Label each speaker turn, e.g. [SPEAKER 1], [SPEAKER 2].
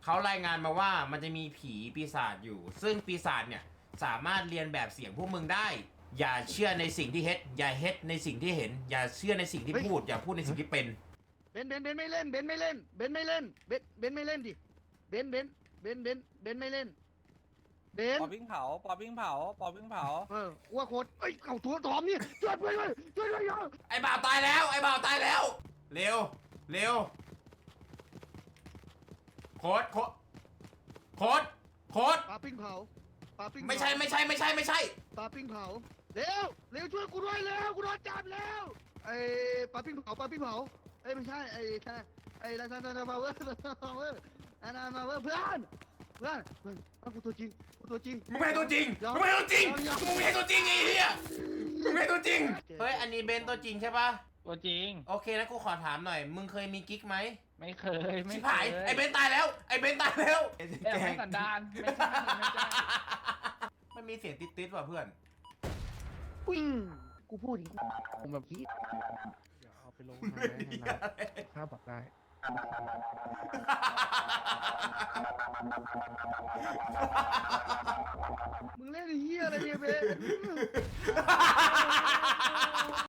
[SPEAKER 1] เขารายงานมาว่ามันจะมีผีปีศาจอยู่ ซึ่งปีศาจเนี่ยสามารถเรียนแบบเสียงพวกมึงได้ อย่าเชื่อในสิ่งที่เฮ็ดอย่าเฮ็ดในสิ่งที่เห็น อย่าเชื่อในสิ่งที่พูด อย่าพูดในสิ่งที่เป็น
[SPEAKER 2] เบนไม่เล่นเบนไม่เล่นเบนไม่เล่นเบนไม่เล่นดิเบนไม่เล่นเบน
[SPEAKER 3] ปอวิ่งเผาปอวิ่งเผาปอวิ่งเผา
[SPEAKER 2] ว่าโคตรเอ้ยเข่าตัวตอมนี่ช่วยเพื่อนช่วยเยอะ
[SPEAKER 1] ไอ้บ่าวตายแล้วไอ้บ่าวตายแล้วเร็วเร็วโคตร
[SPEAKER 2] ปลาปิ้งเผา
[SPEAKER 1] ไม่ใช่
[SPEAKER 2] ปลาปิ้งเผาเร็วช่วยกูด้วยเร็วกูโดนจับแล้วไอ้ปลาปิ้งเผาเอ้ยไม่ใช่ไอ้ลาซานามาเวอร์นามาเวอร์เพื่อนกูตัวจริง
[SPEAKER 1] มึงไม่ใช่ตัวจริงมึงไม่ใช่ตัวจริงไอ้เหี้ยมึงไม่ใช่ตัวจริงเฮ้ยอันนี้เบนตัวจริงใช่ปะ
[SPEAKER 3] ตัวจริง
[SPEAKER 1] โอเคนะกูขอถามหน่อยมึงเคยมีกิ๊กไหม
[SPEAKER 3] ไม่เคยไม่
[SPEAKER 1] ชิบ
[SPEAKER 3] เค
[SPEAKER 1] หาย
[SPEAKER 3] ย
[SPEAKER 1] ไอ้เบนตายแล้วไอ้เบนตายแล้ว
[SPEAKER 3] แต่ไม่สันดานไม่ใช่ไม่ใช่
[SPEAKER 1] มันมีเสียงติดว่ะเพื่อน
[SPEAKER 2] อุ้ยกูพูดอย่างนี้ผมแบบนี้เดี๋ยวเอาไปลงค่าปรับได้มึงเล่นไอ้เหี้ยอะไรเนี่ยเบน